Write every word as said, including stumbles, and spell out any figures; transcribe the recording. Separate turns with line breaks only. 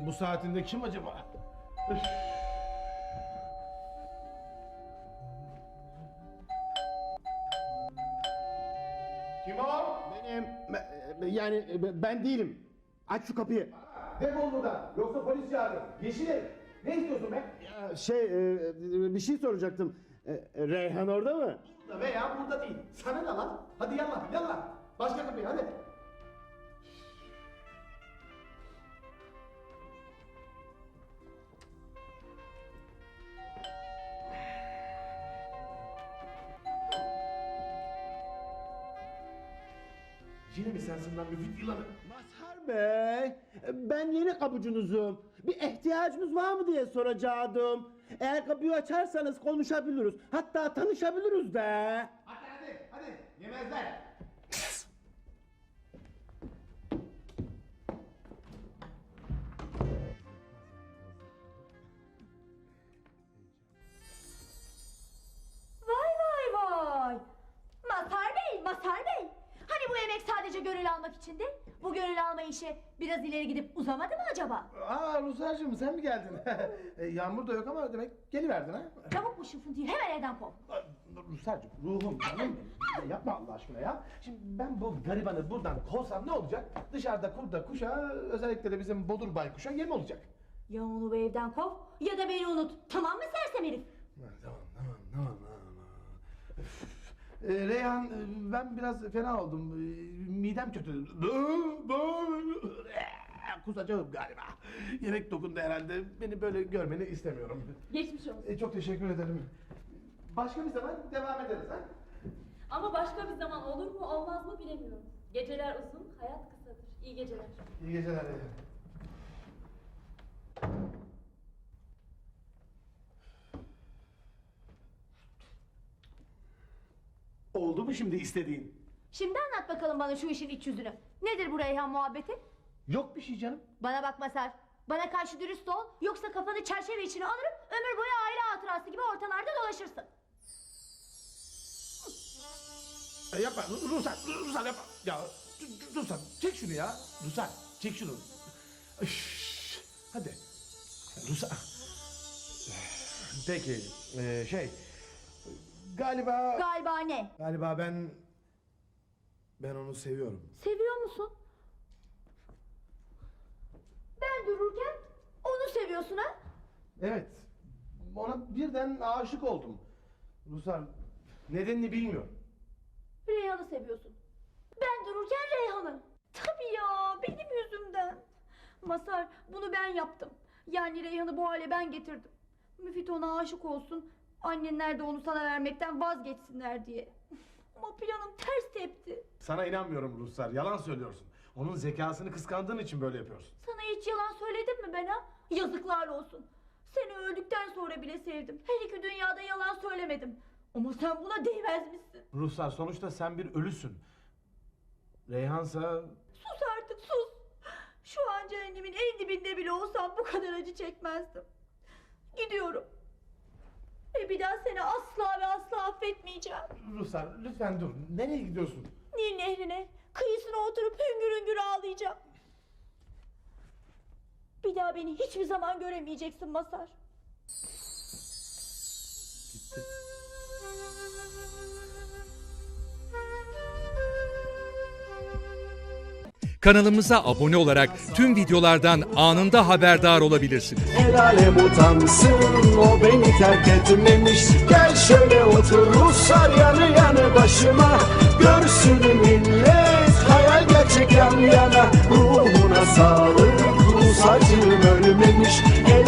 bu saatinde kim acaba? Üf. Kim o?
Benim, ben- yani ben değilim. Aç şu kapıyı.
Defol buradan. Yoksa polis çağırırım. Yeşil herif. Ne istiyorsun be?
Ya şey, e, bir şey soracaktım. E, Reyhan orada mı?
Burada veya burada değil. Sana ne lan? Hadi yallah yallah. Başka kapıyı hadi. Yine mi sensin lan müfit yılanı?
Mazhar Bey, ben yeni kapıcınızım. Bir ihtiyacınız var mı diye soracaktım. Eğer kapıyı açarsanız konuşabiliriz. Hatta tanışabiliriz de.
Hadi hadi hadi. Yemezler.
Vay vay vay! Mazhar Bey, Mazhar Bey! Hani bu yemek sadece gönül almak içindi? Bu gönül alma işi biraz ileri gidip uzamadı mı acaba?
Aa Ruslarcığım sen mi geldin? E, Yağmur da yok ama demek geliverdin ha?
Çabuk bu şıfıntıyı hemen evden kov.
Ruslarcığım ruhum canım benim. Ya yapma Allah aşkına ya. Şimdi ben bu garibanı buradan kovsam ne olacak? Dışarıda kurda kuşa, özellikle de bizim bodur baykuşa yem olacak.
Ya onu bu evden kov ya da beni unut. Tamam mı sersem herif?
Tamam tamam tamam tamam. Üf. E, Reyhan e, ben biraz fena oldum. E, midem kötü. Kusacağım galiba. Yemek dokundu herhalde. Beni böyle görmeni istemiyorum.
Geçmiş olsun.
E, çok teşekkür ederim. Başka bir zaman devam ederiz ha?
Ama başka bir zaman olur mu olmaz mı bilemiyorum. Geceler uzun, hayat kısadır. İyi geceler.
İyi geceler. Reyhan. Oldu mu şimdi istediğin?
Şimdi anlat bakalım bana şu işin iç yüzünü. Nedir bu Reyhan muhabbeti?
Yok bir şey canım.
Bana bak Mazhar. Bana karşı dürüst ol. Yoksa kafanı çerçeve içine alırım. Ömür boyu aile hatırası gibi ortalarda dolaşırsın.
E, yapma Rusar, Rusar yapma. Ya Rusar çek şunu ya. Rusar çek şunu. Üş, hadi. Rusar. Peki e, şey galiba
Galiba ne?
galiba ben ben onu seviyorum.
Seviyor musun? Ben dururken onu seviyorsun ha?
Evet. Ona birden aşık oldum. Rusar nedenini bilmiyorum.
Reyhan'ı seviyorsun. Ben dururken Reyhan'ı. Tabii ya benim yüzümden. Mazhar bunu ben yaptım. Yani Reyhan'ı bu hale ben getirdim. Müfit ona aşık olsun. Annenler de onu sana vermekten vazgeçsinler diye. Ama planım ters tepti.
Sana inanmıyorum Ruslar. Yalan söylüyorsun. Onun zekasını kıskandığın için böyle yapıyorsun.
Sana hiç yalan söyledim mi ben ha? Yazıklar olsun. Seni öldükten sonra bile sevdim. Her iki dünyada yalan söylemedim. Ama sen buna değmezmişsin.
Ruslar sonuçta sen bir ölüsün. Reyhansa
Sus artık sus. Şu an cehennemimin en dibinde bile olsam bu kadar acı çekmezdim. Gidiyorum. Ve bir daha seni asla ve asla affetmeyeceğim.
Ruslar lütfen dur. Nereye gidiyorsun?
Nil nehrine, kıyısına oturup hüngür hüngür ağlayacağım. Bir daha beni hiçbir zaman göremeyeceksin Mazhar.
Gitti.
Kanalımıza abone olarak tüm videolardan anında haberdar olabilirsiniz.
El alem utansın, o beni terk etmemiş. Gel şöyle otur Ruslar yanı yanı başıma. Görsün millet hayal gerçek yan yana. Ruhuna sağlık.